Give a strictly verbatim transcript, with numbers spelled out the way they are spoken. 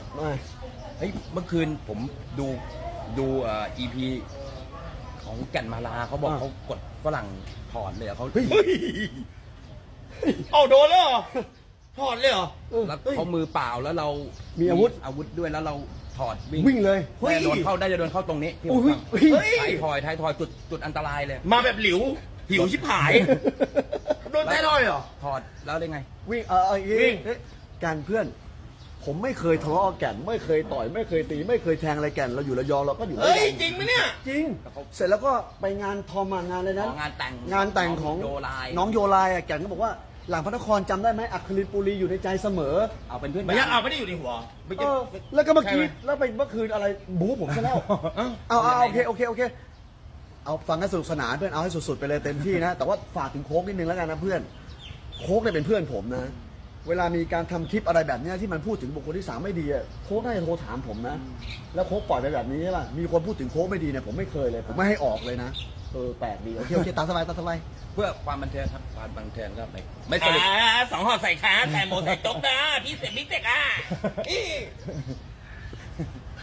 เฮ้ยเมื่อคืนผมดูดูเอ่อ อี พี ของแก่นมาลาเขาบอกอ่าเขากดฝรั่งถอนเลยอะเขาเฮ้ยเอาโดนเลยเหรอถอดเลยเหรอเออแล้วเฮ้ยเขามือเปล่าแล้วเรามีมีอาวุธอาวุธด้วยแล้วเราถอดวิ่งวิ่งเลยเฮ้ยแต่โดนเข้าได้จะโดนเข้าตรงนี้ที่ผโอ้มยฟังเฮ้ยเฮ้ยท้ายทอยท้ายทอยจุดจุดอันตรายเลยมาแบบหลิวหิวชิบหาย โดนแท้ทอยเหรอถอดแล้วได้ไงวิ่งเออเอาอย่างงี้วิ่งเอ๊ะการเพื่อน ผมไม่เคยทะเลาะกับแก่น ไม่เคยต่อย ไม่เคยตี ไม่เคยแทงอะไรแก่น เราอยู่ระยองเราก็อยู่ระเฮ้ยยองจริงไหมเนี่ยจริง เสร็จแล้วก็ไปงานทอมมางานเลยนะอ๋องานแต่งงานแต่งของโยไลน้องโยไลอะแก่นก็บอกว่าหลังพระนครจำได้ไหมอัครินทร์ปุรีอยู่ในใจเสมอเอาเป็นเพื่อนไม่ใช่กันเอาไม่ได้อยู่ในหัวไม่เอใช่อแล้วก็เมื่อกี้ใช่ไหมแล้วไปเมื่อคืนอะไรบู๊ผมซะแล้วเอ้าเอาเอาเอาโอเคโอเคโอเค เอาฟังกันสนุกสนานเพื่อนเอาให้สุดๆไปเลยเต็มที่นะ แต่ว่าฝากถึงโค้กนิดนึงแล้วกันนะเพื่อน โค้กเนี่ยเป็นเพื่อนผมนะ เวลามีการทำคลิปอะไรแบบเนี้ยที่มันพูดถึงบุคคลที่สามไม่ดีอะโค้กน่าจะโทรถามผมนะ แล้วโค้กปล่อยไปแบบนี้ใช่ป่ะมีคนพูดถึงโค้กไม่ดีเนี่ยผมไม่เคยเลย ผมไม่ให้ออกเลยนะเออแปลกดีโอเคโอเคตามสบายตามสบายเพื่อความบันเทิงครับความบันเทิงก็ไม่ไม่สรุปอ่าสองห่อใส่ขาใส่หมูใส่จกนะพี่เสกพี่เสกอ่ะอี้